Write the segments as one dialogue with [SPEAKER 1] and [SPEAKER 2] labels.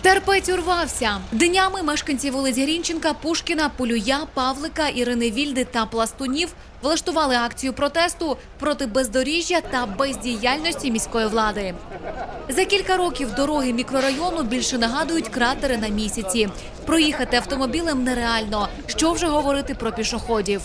[SPEAKER 1] Терпець урвався. Днями мешканці вулиць Грінченка, Пушкіна, Полюя, Павлика, Ірини Вільди та Пластунів влаштували акцію протесту проти бездоріжжя та бездіяльності міської влади. За кілька років дороги мікрорайону більше нагадують кратери на місяці. Проїхати автомобілем нереально. Що вже говорити про пішоходів?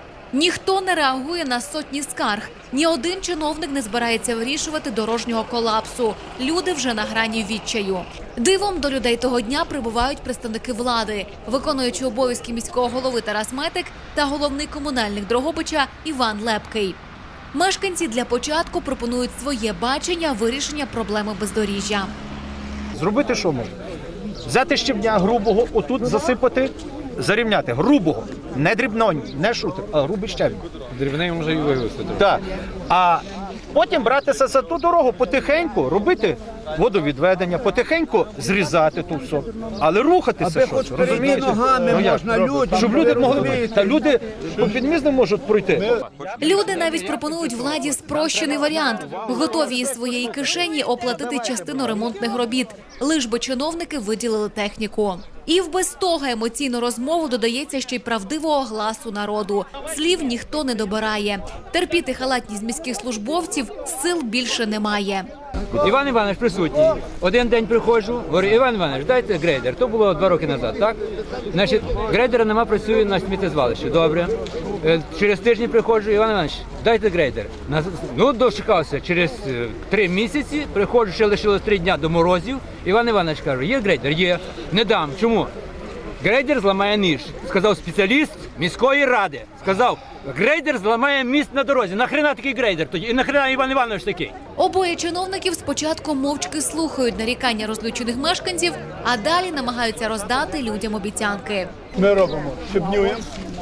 [SPEAKER 1] Ніхто не реагує на сотні скарг. Ні один чиновник не збирається вирішувати дорожнього колапсу. Люди вже на грані відчаю. Дивом до людей того дня прибувають представники влади, виконуючи обов'язки міського голови Тарас Метик та головний комунальник Дрогобича Іван Лепкий. Мешканці для початку пропонують своє бачення вирішення проблеми бездоріжжя.
[SPEAKER 2] Зробити що можна? Взяти щебня грубого, отут засипати, зарівняти. Грубого. Не дрібного, не шутер, а грубий щебінь.
[SPEAKER 3] Дрібний може і вивезти.
[SPEAKER 2] Так. А потім братися за ту дорогу, потихеньку робити водовідведення, потихеньку зрізати тут все. Але рухатися щось, розумієте?
[SPEAKER 4] Ногами можна людям.
[SPEAKER 2] Щоб люди могли, та люди по під'їзд не можуть пройти.
[SPEAKER 1] Люди навіть пропонують владі спрощений варіант. Готові із своєї кишені оплатити частину ремонтних робіт, лиш би чиновники виділили техніку. І в без того емоційну розмову додається ще й правдивого гласу народу. Слів ніхто не добирає. Терпіти халатність міських службовців сил більше немає.
[SPEAKER 3] Іван Іванович присутній. Один день приходжу, говорю, Іван Іванович, дайте грейдер. То було 2 роки назад, так? Значить, грейдера нема, працює на сміттєзвалищі. Добре. Через тиждень приходжу, Іван Іванович, дайте грейдер. Ну, дочекався. Через 3 місяці приходжу, ще лишилось 3 дня до морозів. Іван Іванович каже, є грейдер? Є. Не дам. Чому? Грейдер зламає ніж, сказав спеціаліст міської ради. Сказав, грейдер зламає міст на дорозі. Нахрена такий грейдер тоді? І нахрена Іван Іванович такий?
[SPEAKER 1] Обоє чиновників спочатку мовчки слухають нарікання розлючених мешканців, а далі намагаються роздати людям обіцянки.
[SPEAKER 4] Ми робимо, щебнюємо.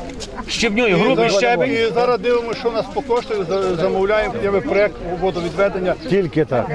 [SPEAKER 2] Щебнює, грубий щебень.
[SPEAKER 4] І зараз дивимося, що у нас по коштує, замовляємо проєкт водовідведення.
[SPEAKER 2] Тільки так.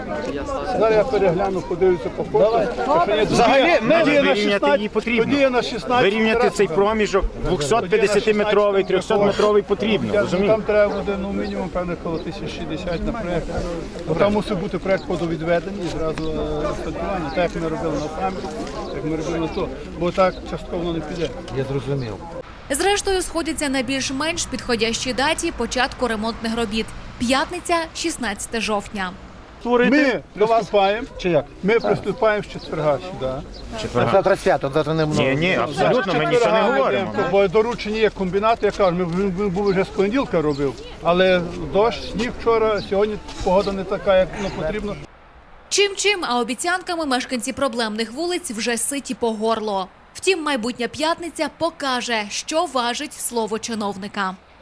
[SPEAKER 4] Зараз я перегляну, подивлюся по кошту.
[SPEAKER 2] Взагалі,
[SPEAKER 5] вирівняти її потрібно.
[SPEAKER 4] На 16
[SPEAKER 5] Вирівняти цей проміжок 250-метровий, 300-метровий потрібно, розумієте?
[SPEAKER 4] Там треба буде, ну, мінімум, певне, коло 1060 на проєкт. Бо там мусить бути проєкт водовідведення і зразу асфальтування. Так, як ми робили на Самі, як ми робили на то. Бо так частково не піде.
[SPEAKER 3] Я зрозумів.
[SPEAKER 1] Зрештою, сходяться на більш-менш підходящій даті початку ремонтних робіт. П'ятниця, 16 жовтня.
[SPEAKER 4] Ми приступаємо.
[SPEAKER 2] Чи як?
[SPEAKER 4] Ми приступаємо з четверга сюди.
[SPEAKER 2] Завтра свято, завтра не много.
[SPEAKER 5] Ні, абсолютно, ми нічого не говоримо.
[SPEAKER 4] Бо доручення є комбінату, я кажу, ми був вже з понеділка робив, але дощ, сніг вчора, сьогодні погода не така, як потрібно.
[SPEAKER 1] Чим-чим, а обіцянками мешканці проблемних вулиць вже ситі по горло. Втім, майбутня п'ятниця покаже, що важить слово чиновника.